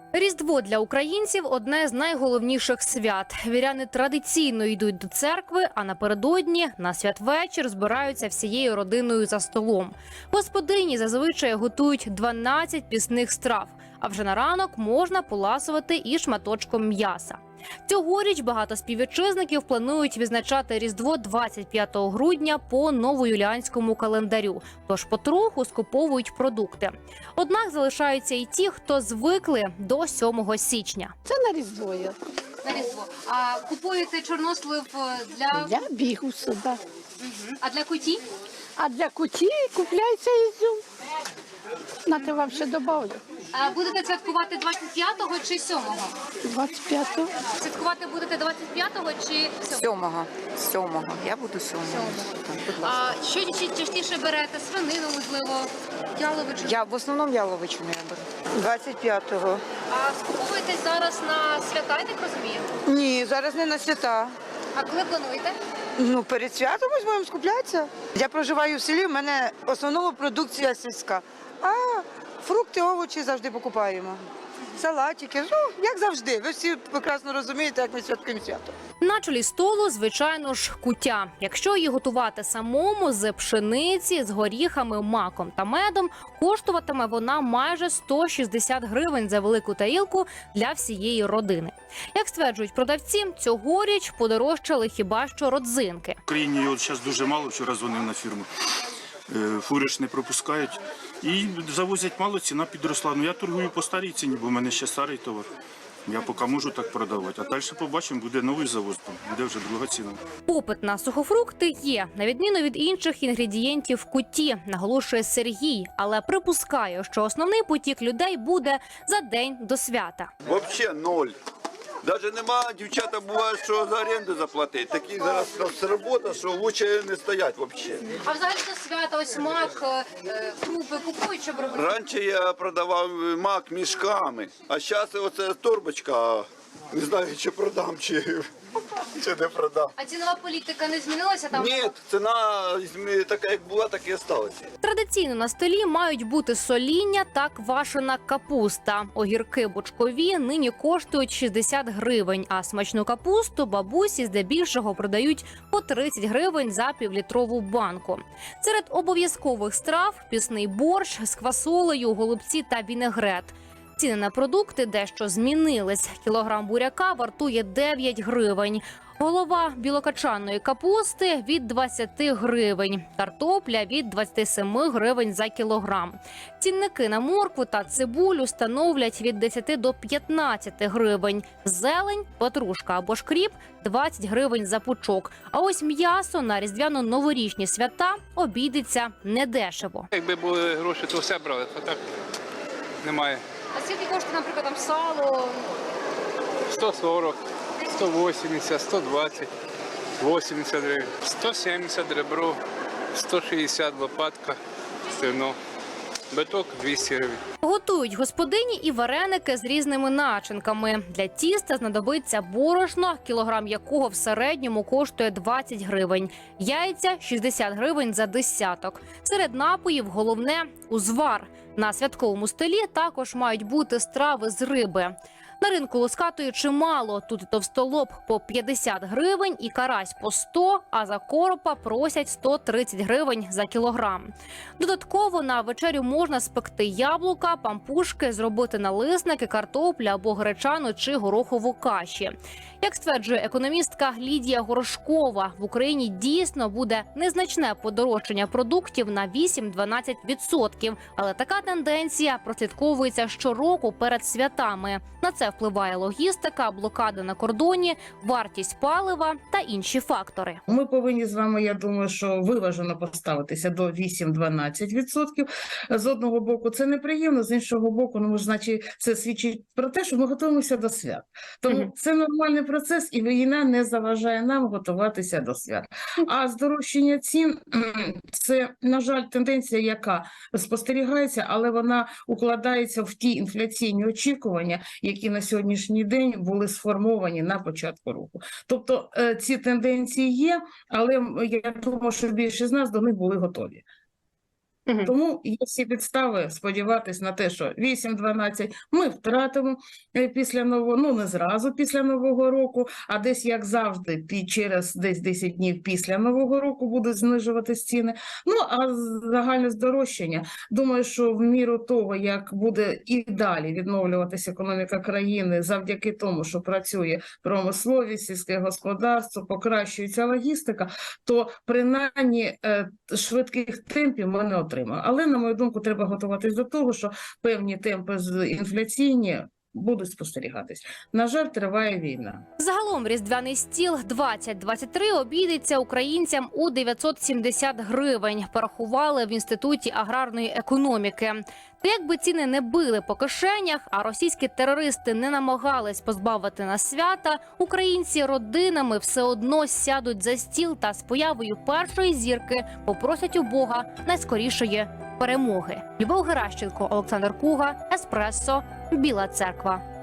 Різдво для українців – одне з найголовніших свят. Віряни традиційно йдуть до церкви, а напередодні на святвечір збираються всією родиною за столом. Господині зазвичай готують 12 пісних страв, а вже на ранок можна поласувати і шматочком м'яса. Цьогоріч багато співвітчизників планують відзначати Різдво 25 грудня по новоюліанському календарю, тож потроху скуповують продукти. Однак залишаються і ті, хто звикли до 7 січня. Це на Різдво є. На Різдво. А купуєте чорнослив для... Для бігусу, так. А для куті? А для куті купляється ізюм. На те вам ще добавлю. А будете святкувати 25-го чи 7-го? 25-го. Святкувати будете 25-го чи 7-го? Сьомого. Я буду сьомого. А що частіше берете? Свинину, можливо, яловичину? Я в основному яловичину я беру. 25-го. А скуповуєтесь зараз на свята, я так розумію? Ні, зараз не на свята. А коли плануєте? Ну, перед святом ось будемо скуплятися. Я проживаю в селі, в мене в основному продукція сільська. А фрукти, овочі завжди покупаємо. Салатики, ну, як завжди. Ви всі прекрасно розумієте, як ми святкуємо свято. На чолі столу, звичайно ж, кутя. Якщо її готувати самому з пшениці, з горіхами, маком та медом, коштуватиме вона майже 160 гривень за велику тарілку для всієї родини. Як стверджують продавці, цьогоріч подорожчали хіба що родзинки. В Україні його зараз дуже мало, вчора дзвонив на фірму. Фури ж не пропускають і завозять мало, ціна підросла. Ну я торгую по старій ціні, бо в мене ще старий товар. Я поки можу так продавати. А далі побачимо, буде новий завоз, буде вже друга ціна. Попит на сухофрукти є, на відміну від інших інгредієнтів в куті, наголошує Сергій, але припускає, що основний потік людей буде за день до свята. Вообще ноль. Даже нема, дівчата буває, що за оренду заплатити. Такі зараз у нас робота, що лучше не стоять взагалі. А взагалі до свята ось мак, крупи купують, щоб робити? Раніше я продавав мак мішками, а зараз оце торбочка, не знаю, чи продам, чи не продам. А цінова політика не змінилася там? Ні, ціна така, як була, так і залишилася. Традиційно на столі мають бути соління та квашена капуста. Огірки бочкові нині коштують 60 гривень, а смачну капусту бабусі здебільшого продають по 30 гривень за півлітрову банку. Серед обов'язкових страв – пісний борщ з квасолею, голубці та вінегрет. Ціни на продукти дещо змінились. Кілограм буряка вартує 9 гривень. Голова білокачаної капусти – від 20 гривень. Картопля – від 27 гривень за кілограм. Цінники на моркву та цибулю становлять від 10 до 15 гривень. Зелень, петрушка або шкріп – 20 гривень за пучок. А ось м'ясо на різдвяно-новорічні свята обійдеться недешево. Якби були гроші, то все брали, а так немає. А скільки коштує, наприклад, там сало? 140, 180, 120, 80 гривень, 170 ребро, 160 лопатка, стегно, биток 200 гривень. Готують господині і вареники з різними начинками. Для тіста знадобиться борошно, кілограм якого в середньому коштує 20 гривень. Яйця – 60 гривень за десяток. Серед напоїв головне – узвар. На святковому столі також мають бути страви з риби. На ринку лускатої чимало. Тут і товстолоб по 50 гривень, і карась по 100, а за коропа просять 130 гривень за кілограм. Додатково на вечерю можна спекти яблука, пампушки, зробити налисники, картоплю або гречану чи горохову каші. Як стверджує економістка Лідія Горошкова, в Україні дійсно буде незначне подорожчання продуктів на 8-12%. Але така тенденція прослідковується щороку перед святами. На це впливає логістика, блокада на кордоні, вартість палива та інші фактори. Ми повинні з вами, я думаю, що виважено поставитися до 8-12%. З одного боку це неприємно, з іншого боку, ну, значить, це свідчить про те, що ми готуємося до свят. Тому це нормальний процес, і війна не заважає нам готуватися до свят. А здорожчання цін – це, на жаль, тенденція, яка спостерігається, але вона укладається в ті інфляційні очікування, які на сьогоднішній день були сформовані на початку року. Тобто ці тенденції є, але я думаю, що більшість з нас до них були готові. Тому є всі підстави сподіватися на те, що 8-12 ми втратимо після нового, ну не зразу після Нового року, а десь, як завжди, через десь 10 днів після Нового року будуть знижуватись ціни. Ну, а загальне здорожчання, думаю, що в міру того, як буде і далі відновлюватися економіка країни завдяки тому, що працює промисловість, сільське господарство, покращується логістика, то принаймні швидких темпів ми не отримаємо. Але, на мою думку, треба готуватись до того, що певні темпи інфляційні будуть спостерігатись. На жаль, триває війна. Загалом різдвяний стіл 2023 обійдеться українцям у 970 гривень, порахували в Інституті аграрної економіки. Та якби ціни не били по кишенях, а російські терористи не намагались позбавити нас свята, українці родинами все одно сядуть за стіл та з появою першої зірки попросять у Бога найскорішої перемоги. Любов Геращенко, Олександр Куга, Еспресо, Біла Церква.